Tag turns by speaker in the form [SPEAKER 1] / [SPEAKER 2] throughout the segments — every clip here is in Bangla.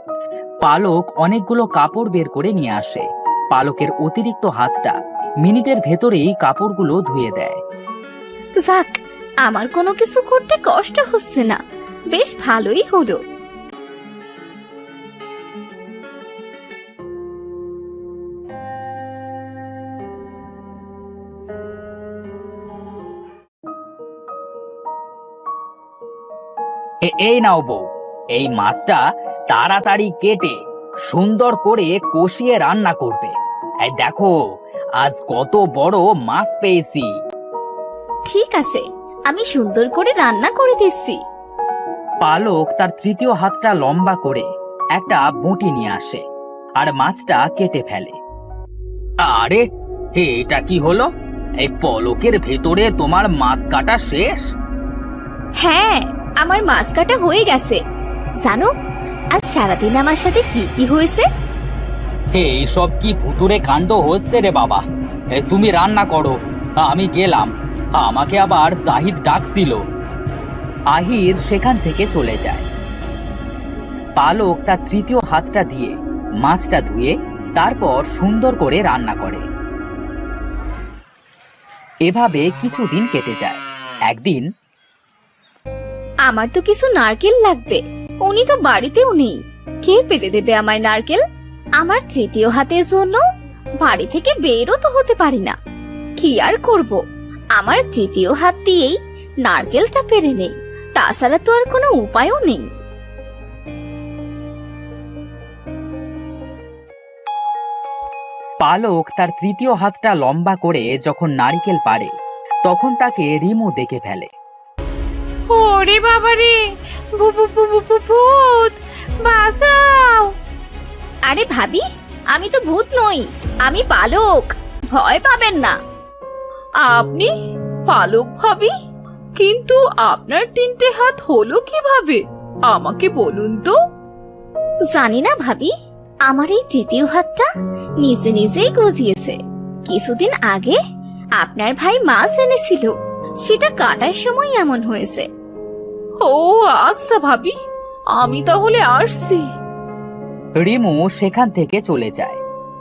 [SPEAKER 1] পালক অনেকগুলো কাপড় বের করে নিয়ে আসে। পালকের অতিরিক্ত হাতটা মিনিটের ভেতরেই কাপড়গুলো ধুয়ে দেয়।
[SPEAKER 2] যাক, আমার কোনো কিছু করতে কষ্ট হচ্ছে না, বেশ ভালোই হলো।
[SPEAKER 1] এই নাও বউ, এই মাছটা তাড়াতাড়ি কেটে সুন্দর করে কষিয়ে রান্না করবে। এই দেখো, আজ কত বড় মাছ পেয়েছি।
[SPEAKER 2] ঠিক আছে, আমি সুন্দর করে রান্না করে দিচ্ছি।
[SPEAKER 1] পালক তার তৃতীয় হাতটা লম্বা করে একটা বঁটি নিয়ে আসে আর মাছটা কেটে ফেলে। আরে, এটা কি হলো? এই পলকের ভেতরে তোমার মাছ কাটা শেষ?
[SPEAKER 2] হ্যাঁ, আমার মাছ কাটা হয়ে গেছে। জানো আজ সারাদিন আমার সাথে কি কি হয়েছে?
[SPEAKER 1] এইসব কি ভুতুরে কাণ্ড হচ্ছে রে বাবা? তুমি রান্না করো, আমি গেলাম। আমাকে আবার জাহিদ ডাকছিল। আহির সেখান থেকে চলে যায়। পালক তার তৃতীয় হাতটা দিয়ে মাছটা ধুয়ে তারপর সুন্দর করে রান্না করে। এভাবে কিছুদিন কেটে যায়। একদিন,
[SPEAKER 2] আমার তো কিছু নারকেল লাগবে, উনি তো বাড়িতেও নেই। কে পেরে দেবে আমায় নারকেল? আমার তৃতীয় হাতের জন্য বাড়ি থেকে বেরও তো হতে পারি না। কি আর করব, আমার তৃতীয় হাত দিয়েই নারকেলটা পেরে নেই, তাছাড়া তো আর কোনো উপায়ও নেই।
[SPEAKER 1] পালক তার তৃতীয় হাতটা লম্বা করে যখন নারকেল পারে, তখন তাকে রিমু দেখে ফেলে।
[SPEAKER 3] ওরে বাবারে, ভূত, বাঁচাও!
[SPEAKER 2] আরে ভাবি, আমি তো ভূত নই, আমি পালক, ভয় পাবেন না।
[SPEAKER 3] আপনি পালক ভাবি? কিন্তু আপনার তিনটে হাত হলো কিভাবে আমাকে বলুন তো।
[SPEAKER 2] জানি না ভাবি, আমার এই তৃতীয় হাতটা নিজে নিজেই গজিয়েছে। কিছুদিন আগে আপনার ভাই মাছ এনেছিল, সেটা কাটার সময় এমন হয়েছে।
[SPEAKER 3] ও আচ্ছা ভাবি, আমি তাহলে আসছি।
[SPEAKER 1] রিমু সেখান থেকে চলে যায়।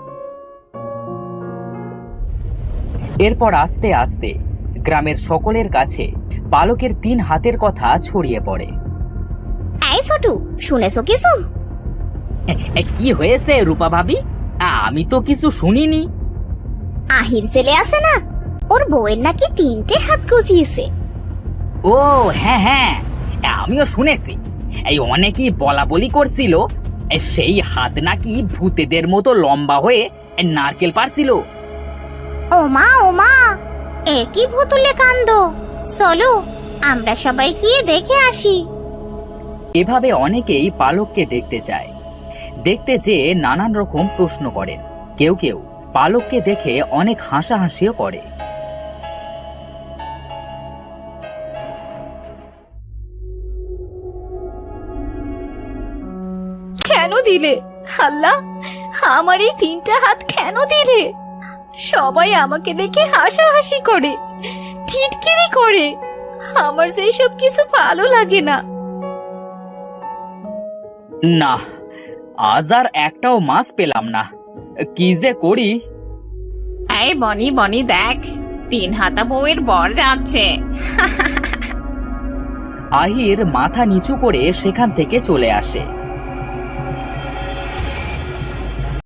[SPEAKER 1] এরপর আস্তে আস্তে গ্রামের সকলের কাছে পালকের 3 হাতের কথা ছড়িয়ে পড়ে।
[SPEAKER 2] এই ছোটু, শুনেছো কিছু?
[SPEAKER 1] কি হয়েছে রূপা ভাবি? আমি তো কিছু শুনিনি।
[SPEAKER 2] আহির ছেলে আছে না, ওর বউয়ের নাকি 3টে হাত গজিয়েছে।
[SPEAKER 1] ও হ্যাঁ হ্যাঁ, আমিও শুনেছি। এই অনেকেই বলা বলি করছিল সেই হাত নাকি ভূতেদের মতো লম্বা হয়ে নারকেল পারছিল।
[SPEAKER 2] ওমা ওমা, একই ভুতুলে কাণ্ড! চলো আমরা সবাই গিয়ে দেখে আসি।
[SPEAKER 1] এভাবে অনেকেই পালককে দেখতে চায়। দেখতে যেয়ে নানান রকম প্রশ্ন করেন। কেউ কেউ পালককে দেখে অনেক হাসাহাসিও করে।
[SPEAKER 2] কেন দিলে আল্লাহ? আমার এই 3টা হাত কেন দিলে? সবাই আমাকে দেখে হাসাহাসি করে, টিটকিরি করে। আমার সেই সব কিছু ভালো লাগে না।
[SPEAKER 1] না, আজ আর একটাও মাছ পেলাম না। কি যে করি।
[SPEAKER 3] এই বনি বনি দেখ, 3 হাতা বউয়ের বর যাচ্ছে।
[SPEAKER 1] আহির মাথা নিচু করে সেখান থেকে চলে আসে।